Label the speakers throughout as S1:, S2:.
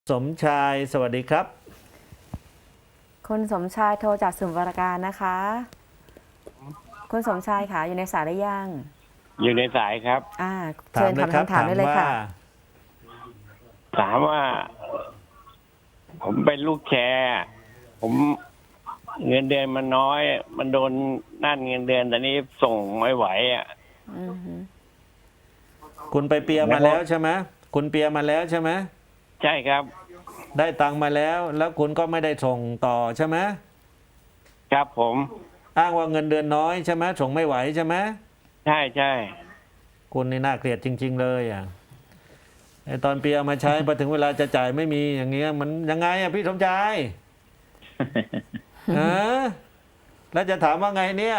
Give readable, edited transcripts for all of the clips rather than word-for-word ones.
S1: สมชายสวัสดีครับ
S2: คุณสมชายโทรจากสมุทรปราการนะคะคุณสมชายค่ะอยู่ในสายหรือยัง
S3: อยู่ในสายครับ
S2: เชิญถามคำถามได้เลยค่ะ
S3: ถามว่า ผมเป็นลูกแชร์ ผมเงินเดือนมันน้อย มันโดนนั่นเงินเดือนแต่นี้ส่งไม่ไหวอ่ะ
S1: คุณไปเปียมาแล้วใช่ไหมคุณเปียมาแล้วใช่ไหม
S3: ใช่ครับ
S1: ได้ตังค์มาแล้วแล้วคุณก็ไม่ได้ส่งต่อใช่ไหม
S3: ครับผม
S1: อ้างว่าเงินเดือนน้อยใช่ไหมส่งไม่ไหวใช่ไหม
S3: ใช่ใช่
S1: คุณนี่น่าเกลียดจริง ๆ เลยอ่ะไอตอนเปียมาใช้พอถึงเวลาจะจ่ายไม่มีอย่างเงี้ยมันยังไงอ่ะพี่สมชายฮะแล้วจะถามว่าไงเนี่ย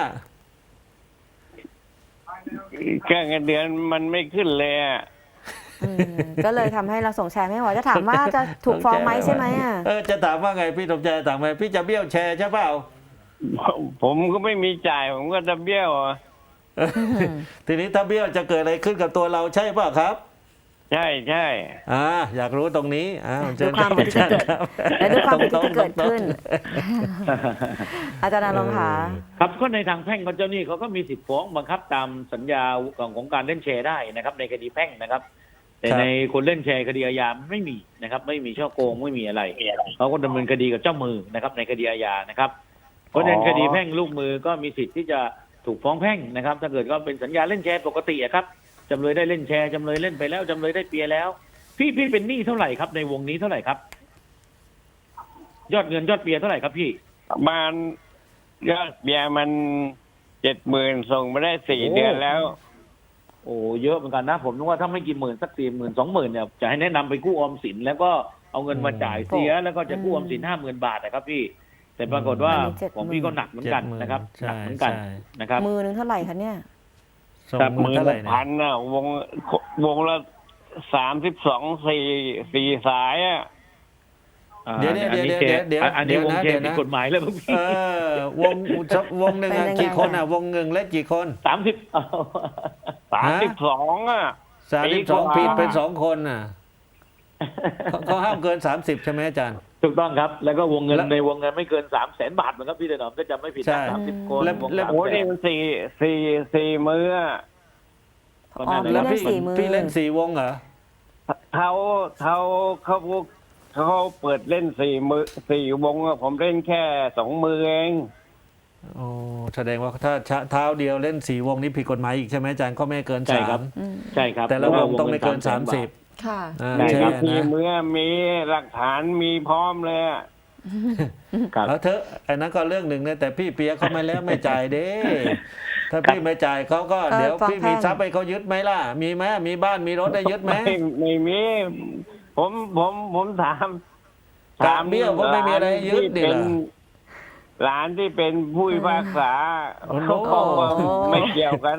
S3: แค่เงินเดือนมันไม่ขึ้นเลยอ่ะ
S2: ก็เลยทำให้เราส่งแชร์ไม่ไหวจะถามว่าจะถูกฟ้องไหมใช่ไหม
S1: จะถามว่าไงพี่สมชายถามไงพี่จะเบี้ยวแชร์ใช่เปล่า
S3: ผมก็ไม่มีจ่ายผมก็จะเบี้ยวอ่ะ
S1: ทีนี้ถ้าเบี้ยวจะเกิดอะไรขึ้นกับตัวเราใช่เปล่าครับ
S3: ใช่ใช่
S1: อยากรู้ตรงนี้
S2: ดูความผิดที่เกิดและดูความผิดที่เกิดขึ้นอาจารย์นรงค์ค่ะ
S4: ครับก็ในทางแพ่งเจ้าหนี้เขาก็มีสิทธิฟ้องบังคับตามสัญญาของการเล่นแชร์ได้นะครับในคดีแพ่งนะครับแต่ในคนเล่นแชร์คดีอาญาไม่มีนะครับไม่มีช่อโกงไม่มีอะไรเขาก็ดำเนินคดีกับเจ้ามือนะครับในคดีอาญานะครับเพราะในคดีแพ่งลูกมือก็มีสิทธิ์ที่จะถูกฟ้องแพ่งนะครับถ้าเกิดก็เป็นสัญญาเล่นแชร์ปกติครับจำเลยได้เล่นแชร์จำเลยเล่นไปแล้วจำเลยได้เปียแล้วพี่เป็นหนี้เท่าไหร่ครับในวงนี้เท่าไหร่ครับยอดเงินยอดเปียเท่าไหร่ครับพี่
S3: ประมาณยอดเบียร์มัน70,000ส่งมาได้4 เดือนแล้ว
S4: โอ้เยอะเหมือนกันนะผมนึกว่าถ้าไม่กี่หมื่นสัก40,000 20,000เนี่ยจะให้แนะนำไปกู้ออมสินแล้วก็เอาเงินมาจ่ายเสียแล้วก็จะกู้ออมสิน50,000 บาทนะครับพี่แต่ปรากฏว่าของพี่ก็หนักเหมือนกันนะครับหนักเหมือนกันนะครับ
S2: มือนึงเท่าไหร่คะเนี่ย
S3: 10,000น่ะวงละ32 4 สายอ่ะ
S1: เดี๋ยว
S4: อันนี้วงแชร์ผิดกฎหมายแล้วพี่
S1: วงหนึ่งกี่คนวงหนึ่งเล่นกี่คน
S3: 32อ่ะ
S1: 32ผิดเป็น2 คนเขาห้ามเกิน30ใช่ไหมอาจารย์
S4: ถูกต้องครับแล้วก็วงเงินในวงเงินไม่เกิน300,000 บาทเหมือนกับพี่ถนอมก็จะไม่ผิด30 คน
S1: แล้ว
S3: โอ้นี่มันสี่มือ
S1: แล้วพี่เล่น4 วงเหรอ
S3: เขาเปิดเล่น4 วงผมเล่นแค่2 มือเอง
S1: โอ้แสดงว่าถ้าเท้าเดียวเล่น4 วงนี้ผิดกฎหมายอีกใช่ไหมอาจารย์ก็ไม่เกิน3
S4: ใช่ครับ
S1: แต่ละวงต้องไม่เกิน30
S2: ค่ะ
S3: ใช่ครับ4 มือมีหลักฐานมีพร้อมเลย
S1: เอาเถอะไอ้นั้นก็เรื่องหนึ่งนะแต่พี่เปียเขาไม่แล้วไม่จ่ายเด้ถ้าพี่ไม่จ่ายเขาก็เดี๋ยวพี่มีทรัพย์ให้เขายึดไหมล่ะมีไหมมีบ้านมีรถได้ยึดไหม
S3: ไม่มีผมถาม
S1: เบี้ยวก็ไม่มีอะไรยึดดิ
S3: หลานที่เป็นผู้พิพากษาเขาบอกว่าไม่เกี่ยวกัน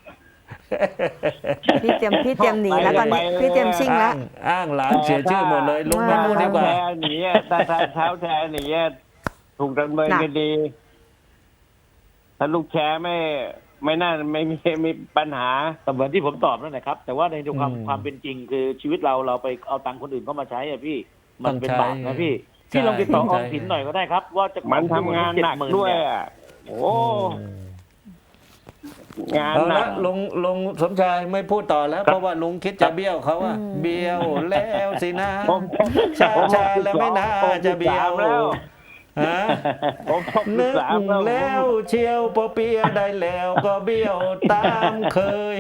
S2: พี่เตรียมหนีแล้วตอนนี้พี่เตรียมชิ่งแล้ว
S1: อ้างหลานเสียชื่อหมดเลยลุงไม่พูดดีกว่า
S3: หนีถ้าเท้าแชร์หนีถูกดำเนินคดีถ้าลูกแชร์ไม่น่าไม่มีปัญหา
S4: เหมือนที่ผมตอบนั่นแหละครับแต่ว่าในความเป็นจริงคือชีวิตเราไปเอาตังค์คนอื่นเข้ามาใช้พี่มันเป็นบาปนะพี่ลองติดต่อออมสินหน่อยก็ได้ครับว่าจะ
S3: มันทำงานหนักด้วยโอ้งานหนัก
S1: ลุงสมชายไม่พูดต่อแล้วเพราะว่าลุงคิดจะเบี้ยวเขาเบี้ยวแล้วสินะชาแล้วไม่น่าจะเบี้ยวแล้วนึกแล้วเชียวพอเปียได้แล้วก็เบี้ยวตามเคย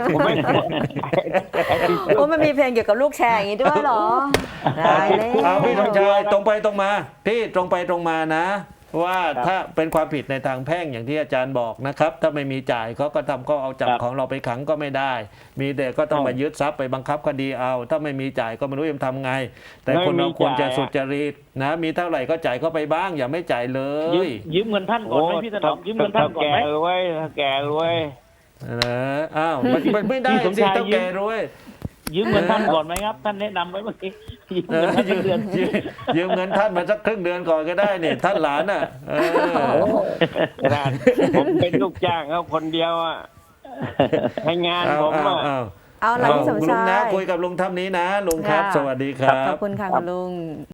S2: มันมีเพลงเกี่ยวกับลูกแชร์อย่างนี้ด้วยเหรอได้เลย
S1: พี่สมชายตรงไปตรงมาพี่ตรงไปตรงมานะว่าถ้าเป็นความผิดในทางแพ่งอย่างที่อาจารย์บอกนะครับถ้าไม่มีจ่ายเขาก็ก็เอาจับของเราไปขังก็ไม่ได้มีแต่ก็ต้องมายึดทรัพย์ไปบังคับคดีเอาถ้าไม่มีจ่ายก็ไม่รู้จะทำไงแต่คนเราควรจะสุจริตนะมีเท่าไหร่ก็จ่ายเข้าไปบ้างอย่าไม่จ่ายเลย
S4: ยืมเงินท่านก่อนไหมพี่ถนอมยืมเงินท่านก่อนไหม
S3: แก่รวย
S1: มันไม่ได้สิต้องแก่รวย
S4: ยืมเงินท่านก่อนไหมครับท่านแนะนำไว้เมื่อกี้
S1: ยืมเงินท่านมาสักครึ่งเดือนก่อนก็ได้เนี่ยท่านหลาน
S3: ผมเป็นลูกจ้างเขาคนเดียวให้งานผม
S2: เอาล่ะพี่สม
S1: ลุง
S2: ชา
S1: นะ
S2: ย
S1: คุยกับลุงท่านนี้นะลุงครับ
S2: ค่ะ
S1: สวัสดีครับ
S2: ขอบคุณค่ะคุณลุง